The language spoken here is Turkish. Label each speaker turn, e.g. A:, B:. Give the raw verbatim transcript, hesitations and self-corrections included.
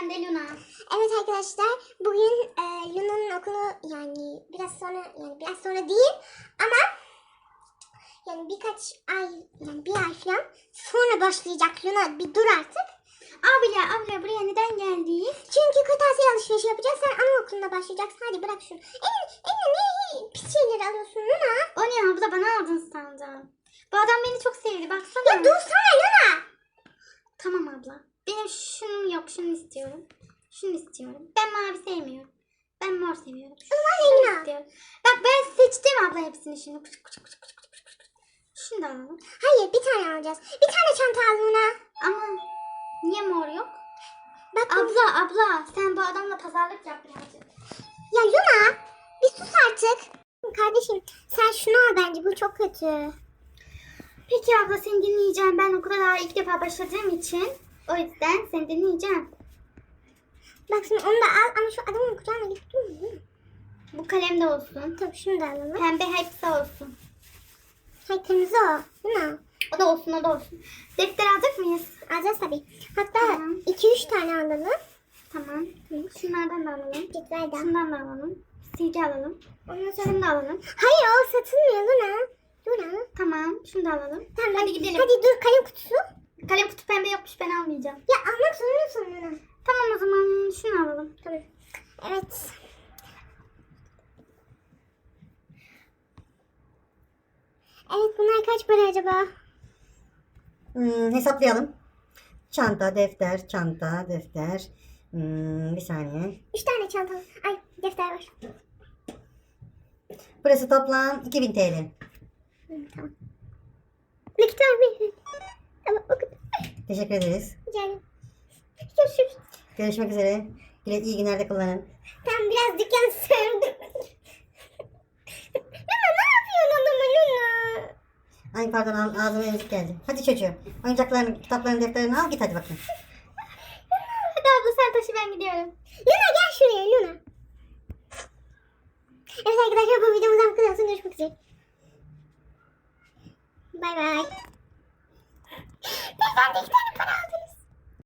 A: ben de Luna.
B: Evet arkadaşlar, bugün e, Luna'nın okulu yani biraz sonra yani biraz sonra değil ama yani birkaç ay yani bir ay falan sonra başlayacak. Luna bir dur artık.
A: Abla abla buraya neden geldik?
B: Çünkü kırtasiye alışverişi yapacağız. Sen anaokuluna başlayacaksın. Hadi bırak şunu. Eline, eline ne pis şeyleri alıyorsun Luna?
A: O ne abla, bana aldın sandım. Bu adam beni çok sevdi, baksana.
B: Ya dursana Luna.
A: Tamam abla. Benim şunun yok, şunu istiyorum. Şunu istiyorum. Ben mavi sevmiyorum. Ben mor seviyorum.
B: Ulan Luna.
A: İstiyorum. Bak ben seçtim abla hepsini şimdi. Kuş, kuş, kuş, kuş, kuş, kuş, kuş. Şunu da alalım.
B: Hayır, bir tane alacağız. Bir tane çanta al Luna.
A: Ama niye mor yok?
B: Bak
A: Abla abla sen bu adamla pazarlık yap birazcık.
B: ya Luna, bir sus artık. Kardeşim sen şunu al, bence bu çok kötü.
A: Peki abla, seni dinleyeceğim. Ben okula daha ilk defa başladığım için o yüzden seni dinleyeceğim.
B: Bak şimdi onu da al ama şu adamın kucağına git dur mu?
A: Bu kalem de olsun.
B: Tabii şunu da alalım.
A: Pembe hepsi olsun.
B: Hayır, kırmızı o. Değil mi?
A: O da olsun, o da olsun. Defter alacak mıyız?
B: Alacağız tabii. Hatta
A: Tamam.
B: iki üç tane alalım.
A: Tamam. Şunlardan da alalım.
B: Cetvel de.
A: Şundan da alalım. Silgi alalım.
B: Ondan sonra...
A: Şunu da alalım.
B: Hayır, o satılmıyor Luna. Luna.
A: Tamam. Şunu da alalım.
B: Tamam,
A: Hadi gidelim.
B: Hadi dur, kalem kutusu.
A: Kalem kutu pembe yokmuş, ben almayacağım.
B: Ya almak zorundasın Luna.
A: Tamam o zaman şunu alalım.
B: Tamam. Evet. Evet, bunlar kaç para acaba?
C: Hmm, hesaplayalım. Çanta, defter, çanta, defter. Hmm, bir saniye.
B: Üç tane çanta. Ay, defter var.
C: Burası toplam iki bin T L.
B: Hı, tamam. Nakit var mı? Ama o kadar.
C: Teşekkür ederiz.
B: Rica ederim. Görüşürüz.
C: Görüşmek üzere. Güle iyi günlerde kullanın.
B: Tam biraz dükkan sürdüm. Luna ne yapıyorsun adama Luna?
C: Ay pardon, ağ- ağzıma emzik geldi. Hadi çocuğum. Oyuncaklarını, kitaplarını, defterini al, git hadi bakayım.
A: Hadi abla sen taşı, ben gidiyorum.
B: Luna gel şuraya Luna. Evet arkadaşlar, bu videomuz